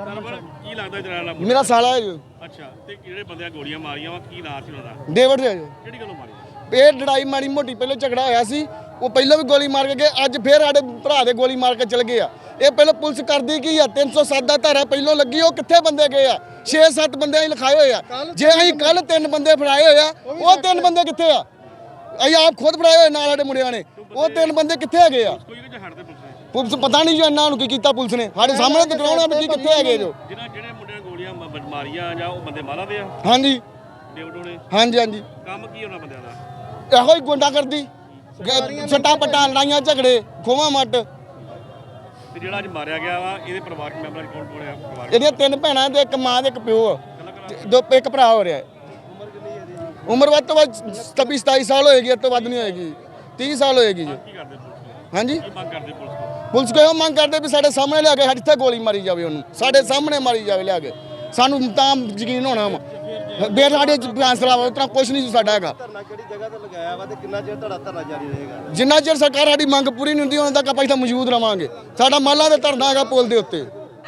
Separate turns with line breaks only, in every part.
ਕੀ ਲੱਗਦਾ ਜਰਾ
ਮੇਰਾ ਸਾਲਾ ਹੈ ਜੀ।
ਅੱਛਾ ਤੇ ਜਿਹੜੇ ਬੰਦਿਆਂ ਗੋਲੀਆਂ ਮਾਰੀਆਂ ਵਾ ਕੀ ਨਾਂ ਸੀ ਉਹਨਾਂ ਦਾ?
ਡੇਵਿਡ ਹੈ ਜੀ।
ਕਿਹੜੀ ਗੱਲੋਂ ਮਾਰੀ?
ਇਹ ਲੜਾਈ ਮਾੜੀ ਮੋਟੀ ਪਹਿਲਾਂ ਝਗੜਾ ਹੋਇਆ ਸੀ, ਉਹ ਪਹਿਲਾਂ ਵੀ ਗੋਲੀ ਮਾਰ ਕੇ ਗਏ, ਅੱਜ ਫੇਰ ਸਾਡੇ ਭਰਾ ਦੇ ਗੋਲੀ ਮਾਰ ਕੇ ਚਲ ਗਏ ਆ। ਇਹ ਪਹਿਲਾਂ ਪੁਲਿਸ ਕਰਦੀ ਕੀ ਆ? 307 ਦਾ ਧਾਰਾ ਪਹਿਲਾਂ ਲੱਗੀ, ਉਹ ਕਿੱਥੇ ਬੰਦੇ ਗਏ ਆ? 6-7 ਬੰਦੇ ਅਸੀਂ ਲਿਖਾਏ ਹੋਏ ਆ। ਜੇ ਅਸੀਂ ਕੱਲ 3 ਬੰਦੇ ਫੜਾਏ ਹੋਏ ਆ, ਉਹ 3 ਬੰਦੇ ਕਿੱਥੇ ਆ? ਅਸੀਂ ਆਪ ਖੁਦ ਫੜਾਏ ਹੋਏ ਨਾਲ ਸਾਡੇ ਮੁੰਡਿਆਂ ਨੇ, ਉਹ 3 ਬੰਦੇ ਕਿੱਥੇ ਹੈਗੇ ਆ? ਪੁਲਿਸ ਪਤਾ ਨਹੀਂ ਜੋ ਇਹਨਾਂ ਨੂੰ ਕੀ ਕੀਤਾ ਪੁਲਿਸ ਨੇ, ਸਾਡੇ ਸਾਹਮਣੇ ਦਿਖਾਉਣਾ ਵੀ ਕਿੱਥੇ ਹੈਗੇ ਜੋ।
ਜਿਹੜੇ ਮੁੰਡਿਆਂ ਨੇ ਗੋਲੀਆਂ ਮਾਰੀਆਂ ਜਾਂ ਉਹ ਬੰਦੇ ਮਾਰਾ ਦੇ ਆ?
ਹਾਂਜੀ
ਡੇਵਿਡ ਹੋਣੇ।
ਹਾਂਜੀ ਹਾਂਜੀ।
ਕੰਮ ਕੀ ਉਹਨਾਂ ਬੰਦਿਆਂ ਦਾ?
ਇਹੋ ਹੀ ਗੁੰਡਾ ਕਰਦੀ, ਸੱਟਾਂ ਪੱਟਾਂ, ਲੜਾਈਆਂ ਝਗੜੇ, ਖੋਵਾ ਮੱਟ।
ਤੇ ਜਿਹੜਾ ਅੱਜ ਮਾਰਿਆ ਗਿਆ ਵਾ ਇਹਦੇ ਪਰਿਵਾਰਕ ਮੈਂਬਰਾਂ ਕੌਣ ਕੌਣ ਆ? ਪਰਿਵਾਰ
ਇਹਦੀਆਂ 3 ਭੈਣਾਂ ਤੇ 1 ਮਾਂ ਤੇ 1 ਪਿਓ ਆ, ਇੱਕ ਭਰਾ ਹੋ ਰਿਹਾ। ਉਮਰ ਵੱਧ ਤੋਂ ਵੱਧ 27 ਸਾਲ ਹੋਏਗੀ, ਇਸ ਤੋਂ ਵੱਧ ਨਹੀਂ ਹੋਏਗੀ, 30 ਸਾਲ ਹੋਏਗੀ ਜੀ।
ਕੀ ਕਰਦੇ ਪੁਲਿਸ?
ਹਾਂਜੀ
ਕੀ ਮੰਗ ਕਰਦੇ ਪੁਲਿਸ ਤੋਂ?
ਪੁਲਿਸ ਕੋਲ ਮੰਗ ਕਰਦੇ ਵੀ ਸਾਡੇ ਸਾਹਮਣੇ ਲਿਆ ਕੇ ਸਾਡੇ ਇੱਥੇ ਗੋਲੀ ਮਾਰੀ ਜਾਵੇ, ਉਹਨੂੰ ਸਾਡੇ ਸਾਹਮਣੇ ਮਾਰੀ ਜਾਵੇ ਲਿਆ ਕੇ, ਸਾਨੂੰ ਤਾਂ ਯਕੀਨ ਹੋਣਾ ਵਾ। ਬੇਰ ਸਾਡੇ ਫੈਸਲਾ ਵਾ, ਉਤਨਾ ਕੁਛ ਨਹੀਂ ਸਾਡਾ ਹੈਗਾ।
ਧਰਨਾ ਕਿਹੜੀ ਜਗ੍ਹਾ ਤੇ ਲਗਾਇਆ ਵਾ ਤੇ ਕਿੰਨਾ ਚਿਰ ਤੁਹਾਡਾ ਧਰਨਾ ਜਾਰੀ ਰਹੇਗਾ?
ਜਿੰਨਾ ਚਿਰ ਸਰਕਾਰ ਸਾਡੀ ਮੰਗ ਪੂਰੀ ਨਹੀਂ ਹੁੰਦੀ ਉਹਨਾਂ ਤੱਕ ਆਪਾਂ ਇੱਥੇ ਮੌਜੂਦ ਰਵਾਂਗੇ। ਸਾਡਾ ਮਾਲਾ ਦੇ ਧਰਨਾ ਹੈਗਾ ਪੁਲ ਦੇ ਉੱਤੇ।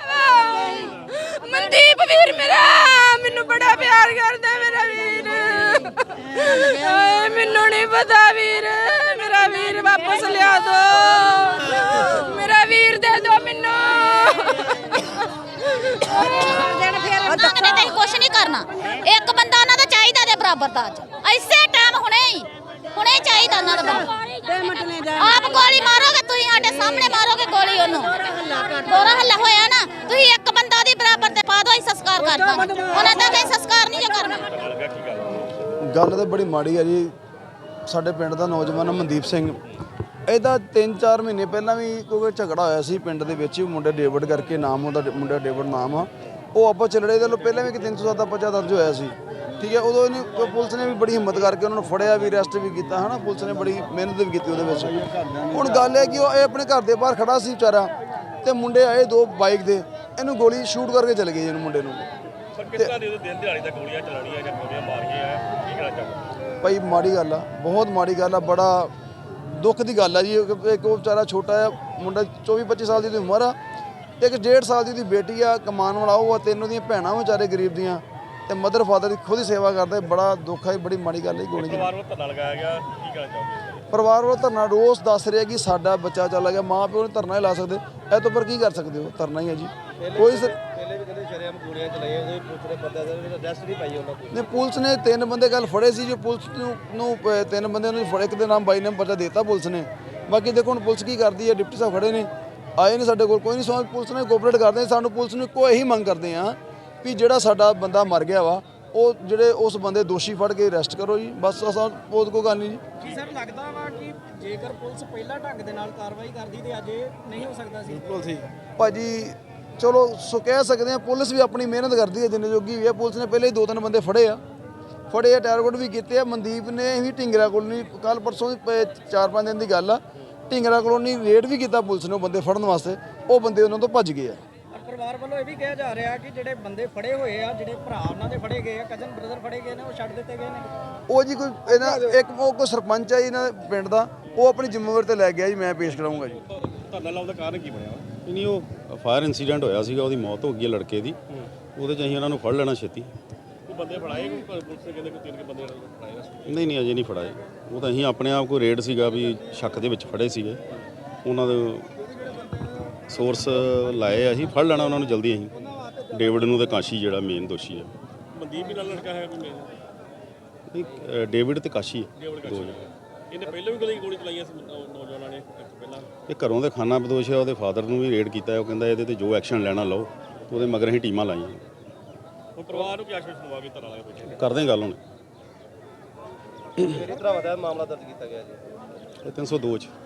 ਮਨਦੀਪ ਵੀਰ ਮੇਰਾ ਮੈਨੂੰ ਬੜਾ ਪਿਆਰ ਕਰਦਾ, ਮੇਰਾ ਵੀਰ। ਮੈਨੂੰ ਨਹੀਂ ਪਤਾ ਵੀਰ, ਮੇਰਾ ਵੀਰ ਵਾਪਸ ਲਿਆ ਦੋ, ਮੇਰਾ ਵੀਰ ਦੇ ਦੋ ਮੈਨੂੰ।
ਉਹਨਾਂ ਨੇ ਕੁਛ ਨਹੀਂ ਕਰਨਾ, ਇੱਕ ਬੰਦਾ ਉਹਨਾਂ ਦਾ ਚਾਹੀਦਾ ਦੇ ਬਰਾਬਰ ਦਾ। ਅੱਜ ਇਸੇ ਟਾਈਮ ਹੁਣੇ ਚਾਹੀਦਾ ਉਹਨਾਂ ਦਾ। ਆਪ ਗੋਲੀ ਮਾਰੋਗੇ ਤੁਸੀਂ, ਸਾਡੇ ਸਾਹਮਣੇ ਮਾਰੋਗੇ ਗੋਲੀ ਉਹਨੂੰ। ਗੋਰਾ ਹੱਲਾ ਹੋਇਆ ਨਾ, ਤੁਸੀਂ ਇੱਕ ਬੰਦਾ ਦੀ ਬਰਾਬਰ ਤੇ ਪਾ ਦੋ, ਅਸੀਂ ਸੰਸਕਾਰ ਕਰ ਦਾਂਗੇ। ਉਹਨਾਂ ਦਾ ਕੋਈ ਸੰਸਕਾਰ ਨਹੀਂ ਜੋ ਕਰਨਾ।
ਗੱਲ ਤਾਂ ਬੜੀ ਮਾੜੀ ਹੈ ਜੀ। ਸਾਡੇ ਪਿੰਡ ਦਾ ਨੌਜਵਾਨ ਮਨਦੀਪ ਸਿੰਘ, ਇਹਦਾ 3-4 ਮਹੀਨੇ ਪਹਿਲਾਂ ਵੀ ਕੋਈ ਝਗੜਾ ਹੋਇਆ ਸੀ ਪਿੰਡ ਦੇ ਵਿੱਚ। ਮੁੰਡੇ ਡੇਵਿਡ ਕਰਕੇ ਨਾਮ, ਉਹਦਾ ਮੁੰਡਾ ਡੇਵਿਡ ਨਾਮ ਆ। ਉਹ ਆਪਸ ਚ ਲੜੇ, ਦੇ ਪਹਿਲਾਂ ਵੀ ਕਿ 307 ਦਾ ਪਰਚਾ ਦਰਜ ਹੋਇਆ ਸੀ, ਠੀਕ ਹੈ। ਉਦੋਂ ਇਹਨੇ ਪੁਲਿਸ ਨੇ ਵੀ ਬੜੀ ਹਿੰਮਤ ਕਰਕੇ ਉਹਨਾਂ ਨੂੰ ਫੜਿਆ ਵੀ, ਅਰੈਸਟ ਵੀ ਕੀਤਾ, ਹੈ ਨਾ। ਪੁਲਿਸ ਨੇ ਬੜੀ ਮਿਹਨਤ ਵੀ ਕੀਤੀ ਉਹਦੇ ਵਿੱਚ। ਹੁਣ ਗੱਲ ਹੈ ਕਿ ਉਹ ਇਹ ਆਪਣੇ ਘਰ ਦੇ ਬਾਹਰ ਖੜਾ ਸੀ ਵਿਚਾਰਾ, ਤੇ ਮੁੰਡੇ ਆਏ 2 ਬਾਈਕ ਦੇ, ਇਹਨੂੰ ਗੋਲੀ ਸ਼ੂਟ ਕਰਕੇ ਚਲੇ ਗਏ ਇਹਨੂੰ ਮੁੰਡੇ ਨੂੰ।
ਕਿਸ ਤਰ੍ਹਾਂ ਦੇ ਦਿਨ ਦਿਹਾੜੀ ਦਾ ਗੋਲੀਆਂ ਚਲਾਉਣੀਆਂ ਜਾਂ ਗੋਲੀਆਂ ਮਾਰੀਆਂ ਆ, ਕੀ ਕਹਿਣਾ ਚਾਹੋਗੇ?
ਭਾਈ ਮਾੜੀ ਗੱਲ ਆ, ਬਹੁਤ ਮਾੜੀ ਗੱਲ ਆ, ਬੜਾ ਦੁੱਖ ਦੀ ਗੱਲ ਆ ਜੀ। ਇੱਕ ਉਹ ਵਿਚਾਰਾ ਛੋਟਾ ਜਿਹਾ ਮੁੰਡਾ, 24-25 ਸਾਲ ਦੀ ਉਹਦੀ ਉਮਰ ਆ, ਇੱਕ 1.5 ਸਾਲ ਦੀ ਉਹਦੀ ਬੇਟੀ ਆ, ਕਮਾਉਣ ਵਾਲਾ ਉਹ ਆ, 3 ਉਹਦੀਆਂ ਭੈਣਾਂ ਵਿਚਾਰੇ ਗਰੀਬ ਦੀਆਂ, ਤੇ ਮਦਰ ਫਾਦਰ ਦੀ ਖੁਦ ਹੀ ਸੇਵਾ ਕਰਦੇ। ਬੜਾ ਦੁੱਖ ਹੈ, ਬੜੀ ਮਾੜੀ ਗੱਲ ਹੈ ਗੋਲੀ ਦੀ।
ਪਰਿਵਾਰ ਵੱਲੋਂ ਧਰਨਾ ਲਗਾਇਆ ਗਿਆ, ਕੀ ਕਹਿਣਾ ਚਾਹੋਗੇ?
ਪਰਿਵਾਰ ਵੱਲੋਂ ਧਰਨਾ ਰੋਜ਼ ਦੱਸ ਰਿਹਾ ਕਿ ਸਾਡਾ ਬੱਚਾ ਚਲਾ ਗਿਆ, ਮਾਂ ਪਿਓ ਨੇ ਧਰਨਾ ਹੀ ਲਾ ਸਕਦੇ, ਇਹ ਤੋਂ ਪਰ ਕੀ ਕਰ ਸਕਦੇ ਹੋ? ਧਰਨਾ ਹੀ ਹੈ ਜੀ। ਕੋਈ ਪਹਿਲੇ ਵੀ ਕਹਿੰਦੇ ਸ਼ਰੇਆਮ ਗੋਲੀਆਂ ਚਲਾਈਆਂ, ਉਹਦੇ ਪੁਲਿਸ ਬੰਦਿਆਂ ਦਾ ਅਰੈਸਟ ਨਹੀਂ ਪਾਈ ਉਹਨਾਂ ਕੋਲ। ਨੇ ਪੁਲਿਸ ਨੇ 3 ਬੰਦੇ ਕੱਲ ਫੜੇ ਸੀ, ਜੋ ਪੁਲਿਸ ਨੂੰ 3 ਬੰਦਿਆਂ ਨੂੰ ਫੜੇ। ਇੱਕ ਦੇ ਨਾਮ ਬਾਈ ਨੇ ਪਰਚਾ ਦੇਤਾ ਪੁਲਿਸ ਨੇ। ਬਾਕੀ ਦੇਖੋ ਹੁਣ ਪੁਲਿਸ ਕੀ ਕਰਦੀ ਹੈ। ਡਿਪਟੀ ਸਾਹਿਬ ਖੜੇ ਨੇ, ਆਏ ਨੇ ਸਾਡੇ ਕੋਲ, ਕੋਈ ਨਹੀਂ ਸਮਝ। ਪੁਲਿਸ ਨੇ ਕੋਆਪਰੇਟ ਕਰਦੇ, ਸਾਨੂੰ ਪੁਲਿਸ ਨੂੰ ਇੱਕੋ ਇਹੀ ਮੰਗ ਕਰਦੇ ਆ ਵੀ ਜਿਹੜਾ ਸਾਡਾ ਬੰਦਾ ਮਰ ਗਿਆ ਵਾ, ਉਹ ਜਿਹੜੇ ਉਸ ਬੰਦੇ ਦੋਸ਼ੀ ਫੜ ਕੇ ਅਰੈਸਟ ਕਰੋ ਜੀ, ਬਸ। ਅਸਾਂ ਬਹੁਤ ਕੋਈ ਗੱਲ ਨਹੀਂ ਜੀ।
ਸਰ ਲੱਗਦਾ ਵਾ ਕਿ ਜੇਕਰ ਪੁਲਿਸ ਪਹਿਲਾਂ ਢੰਗ ਦੇ ਨਾਲ ਕਾਰਵਾਈ ਕਰਦੀ ਤੇ ਅੱਜ ਇਹ ਨਹੀਂ ਹੋ ਸਕਦਾ ਸੀ।
ਬਿਲਕੁਲ ਸੀ ਭਾਜੀ, ਚਲੋ ਸੋ ਕਹਿ ਸਕਦੇ ਆ। ਪੁਲਿਸ ਵੀ ਆਪਣੀ ਮਿਹਨਤ ਕਰਦੀ ਹੈ ਜਿੰਨੇ ਜੋਗੀ ਵੀ ਹੈ। ਪੁਲਿਸ ਨੇ ਪਹਿਲੇ ਹੀ 2-3 ਬੰਦੇ ਫੜੇ ਆ, ਟਾਰਗੇਟ ਵੀ ਕੀਤੇ ਆ। ਮਨਦੀਪ ਨੇ ਵੀ ਢਿੰਗਰਾ ਕੋਲੋਨੀ ਕੱਲ ਪਰਸੋਂ ਦੀ 4-5 ਦਿਨ ਦੀ ਗੱਲ ਆ, ਢਿੰਗਰਾ ਕੋਲੋਨੀ ਰੇਡ ਵੀ ਕੀਤਾ ਪੁਲਿਸ ਨੇ ਉਹ ਬੰਦੇ ਫੜਨ ਵਾਸਤੇ। ਉਹ ਬੰਦੇ ਉਹਨਾਂ ਤੋਂ ਭੱਜ ਗਏ ਆ।
ਪਰਿਵਾਰ ਵੱਲੋਂ ਇਹ ਵੀ ਕਿਹਾ ਜਾ ਰਿਹਾ ਕਿ ਜਿਹੜੇ ਬੰਦੇ ਫੜੇ ਹੋਏ ਆ, ਜਿਹੜੇ ਭਰਾ ਉਹਨਾਂ ਦੇ ਫੜੇ ਗਏ ਆ, ਕਜ਼ਨ ਬ੍ਰਦਰ ਫੜੇ ਗਏ ਨੇ, ਉਹ ਛੱਡ ਦਿੱਤੇ ਗਏ ਨੇ।
ਉਹ ਜੀ ਕੋਈ ਇਹਨਾਂ ਇੱਕ ਕੋਈ ਸਰਪੰਚ ਆ ਜੀ ਇਹਨਾਂ ਦੇ ਪਿੰਡ ਦਾ, ਉਹ ਆਪਣੀ ਜ਼ਿੰਮੇਵਾਰੀ ਤੇ ਲੈ ਗਿਆ ਜੀ। ਮੈਂ ਪੇਸ਼ ਕਰਾਉਂਗਾ ਜੀ।
ਧਰਨਾ ਲਾਉਣ ਦਾ ਕਾਰਨ ਕੀ ਬਣਿਆ?
ਨਹੀਂ, ਉਹ ਫਾਇਰ ਇਨਸੀਡੈਂਟ ਹੋਇਆ ਸੀਗਾ, ਉਹਦੀ ਮੌਤ ਹੋ ਗਈ ਹੈ ਲੜਕੇ ਦੀ। ਉਹਦੇ 'ਚ ਅਸੀਂ ਉਹਨਾਂ ਨੂੰ ਫੜ ਲੈਣਾ ਛੇਤੀ।
ਕੋਈ ਬੰਦੇ ਫੜਾਏ? ਕੋਈ ਪੁਲਿਸ ਨੇ ਕਹਿੰਦੇ ਕੋਈ 3 ਬੰਦੇ ਫੜਾਏ?
ਨਹੀਂ ਅਜੇ ਨਹੀਂ ਫੜਾਏ। ਉਹ ਤਾਂ ਅਸੀਂ ਆਪਣੇ ਆਪ ਕੋਈ ਰੇਡ ਸੀਗਾ ਵੀ ਸ਼ੱਕ ਦੇ ਵਿੱਚ ਫੜੇ ਸੀਗੇ, ਉਹਨਾਂ ਦੇ ਸੋਰਸ ਲਾਏ। ਅਸੀਂ ਫੜ ਲੈਣਾ ਉਹਨਾਂ ਨੂੰ ਜਲਦੀ। ਅਸੀਂ ਡੇਵਿਡ ਨੂੰ ਤੇ ਕਾਸ਼ੀ ਜਿਹੜਾ ਮੇਨ ਦੋਸ਼ੀ ਹੈ।
ਮਨਦੀਪ ਵੀ ਨਾਲ ਲੜਕਾ ਹੈ ਕੋਈ ਮੇਨ?
ਨਹੀਂ, ਡੇਵਿਡ ਤੇ ਕਾਸ਼ੀ ਹੈ, 2 ਜਣੇ।
ਇਹਨੇ ਪਹਿਲਾਂ ਵੀ ਗੋਲੀ ਚਲਾਈਆਂ ਸੀ ਨੌਜਵਾਨਾਂ ਨੇ ਪਹਿਲਾਂ?
ਇਹ ਘਰੋਂ ਦੇ ਖਾਨਾ ਬਦੋਸ਼ ਹੈ। ਉਹਦੇ ਫਾਦਰ ਨੂੰ ਵੀ ਰੇਡ ਕੀਤਾ। ਉਹ ਕਹਿੰਦਾ ਇਹਦੇ ਤੇ ਜੋ ਐਕਸ਼ਨ ਲੈਣਾ ਲਓ। ਉਹਦੇ ਮਗਰ ਅਸੀਂ ਟੀਮਾਂ ਲਾਈਆਂ।
ਹੁਣ ਪਰਿਵਾਰ ਨੂੰ ਕੀ ਆਸ਼ਵਾਸਨ ਦਵਾਗੇ ਧਰਨਾ ਲਾਇਆ ਪਿੱਛੇ?
ਕਰਦੇ ਹਾਂ ਗੱਲ ਹੁਣ।
ਕਿਹੜੀ ਤਰ੍ਹਾਂ ਦਾ ਮਾਮਲਾ ਦਰਜ ਕੀਤਾ ਗਿਆ ਜੀ?
ਇਹ 302 'ਚ